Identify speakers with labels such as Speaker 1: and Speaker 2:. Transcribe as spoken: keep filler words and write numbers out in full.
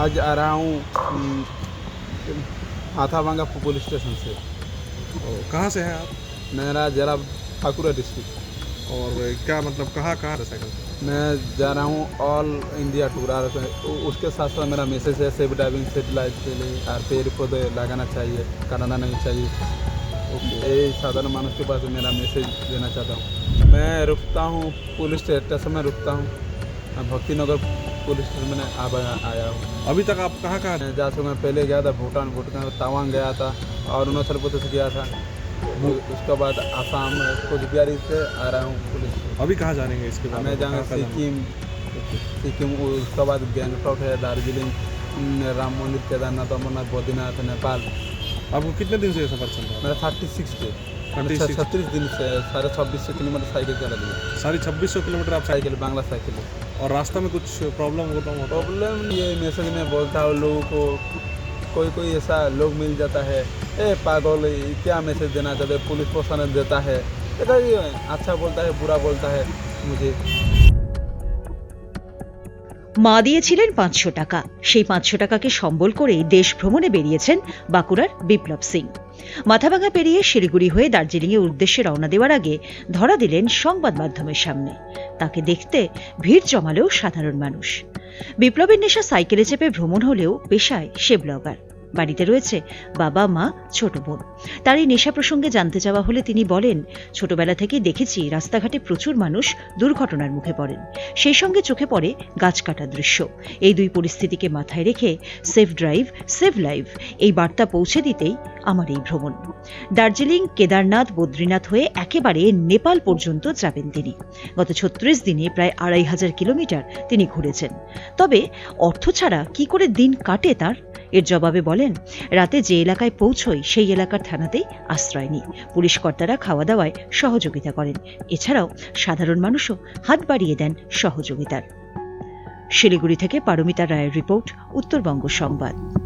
Speaker 1: आज आ रहा हूँ हाथाभांगा पुलिस स्टेशन से।
Speaker 2: और कहाँ से हैं आप?
Speaker 1: मेरा ज़िला बांकुड़ा डिस्ट्रिक्ट।
Speaker 2: और क्या मतलब कहाँ कहाँ है साइकिल?
Speaker 1: मैं जा रहा हूँ ऑल इंडिया टूर। और उसके साथ साथ मेरा मैसेज है सेफ ड्राइविंग सेफ लाइफ के लिए। और पेड़ पौधे लगाना चाहिए, काटना नहीं चाहिए। यही साधारण मानव के पास मेरा मैसेज देना चाहता हूँ। मैं रुकता हूँ पुलिस स्टेशन में, रुकता हूँ भक्ति नगर पुलिस स्टेशन में अब आया हूँ।
Speaker 2: अभी तक आप कहाँ कहाँ?
Speaker 1: मैं जा चुका हूँ, पहले गया था भूटान, भूटान तवांग गया था और अरुणाचल प्रदेश गया था। उसके बाद आसाम कोचबिहार से आ रहा हूँ पुलिस।
Speaker 2: अभी कहाँ जानेंगे इसके बाद?
Speaker 1: मैं जाऊँगा सिक्किम, सिक्किम उसके बाद गैंगटॉक है, दार्जिलिंग, राम मंदिर, केदारनाथ, अमरनाथ, बद्रीनाथ, नेपाल।
Speaker 2: आपको कितने दिन से ये सफर चल रहा है?
Speaker 1: मेरा थर्टी सिक्स डे छत्तीस दिन से साढ़े छब्बीस सौ किलोमीटर साइकिल चला लिया।
Speaker 2: साढ़े छब्बीस सौ किलोमीटर आप
Speaker 1: साइकिल, बांग्ला साइकिल है।
Speaker 2: और रास्ता में कुछ प्रॉब्लम होता हो?
Speaker 1: प्रॉब्लम ये मैसेज में बोलता हूँ लोगों को, कोई कोई ऐसा लोग मिल जाता है, ए पागल क्या मैसेज देना चाहते, पुलिस प्रशासन देता है, अच्छा बोलता है, बुरा बोलता है मुझे।
Speaker 3: মা দিয়েছিলেন পাঁচশো টাকা। সেই পাঁচশো টাকাকে সম্বল করেই দেশ ভ্রমণে বেরিয়েছেন বাঁকুড়ার বিপ্লব সিং। মাথাভাঙা পেরিয়ে শিলিগুড়ি হয়ে দার্জিলিংয়ের উদ্দেশ্যে রওনা দেওয়ার আগে ধরা দিলেন সংবাদ মাধ্যমের সামনে। তাকে দেখতে ভিড় জমালেও সাধারণ মানুষ। বিপ্লবের নেশা সাইকেলে চেপে ভ্রমণ হলেও পেশায় সে ব্লগার। বাড়িতে রয়েছে বাবা, মা, ছোট বোন। তার এই নেশা প্রসঙ্গে জানতে চাওয়া হলে তিনি বলেন, ছোটবেলা থেকেই দেখেছি রাস্তাঘাটে প্রচুর মানুষ দুর্ঘটনার মুখে পড়েন, সেই সঙ্গে চোখে পড়ে গাছ কাটার দৃশ্য। এই দুই পরিস্থিতিকে মাথায় রেখে সেফ ড্রাইভ সেভ লাইফ এই বার্তা পৌঁছে দিতেই আমার এই ভ্রমণ। দার্জিলিং, কেদারনাথ, বদ্রীনাথ হয়ে একেবারে নেপাল পর্যন্ত যাবেন তিনি। গত ছত্রিশ দিনে প্রায় আড়াই হাজার কিলোমিটার তিনি ঘুরেছেন। তবে অর্থ ছাড়া কি করে দিন কাটে তার? এর জবাবে বলেন, রাতে যে এলাকায় পৌঁছই সেই এলাকার থানাতেই আশ্রয় নিই। পুলিশ কর্তারা খাওয়া দাওয়ায় সহযোগিতা করেন। এছাড়াও সাধারণ মানুষও হাত বাড়িয়ে দেন সহযোগিতার। শিলিগুড়ি থেকে পারমিতা রায়ের রিপোর্ট, উত্তরবঙ্গ সংবাদ।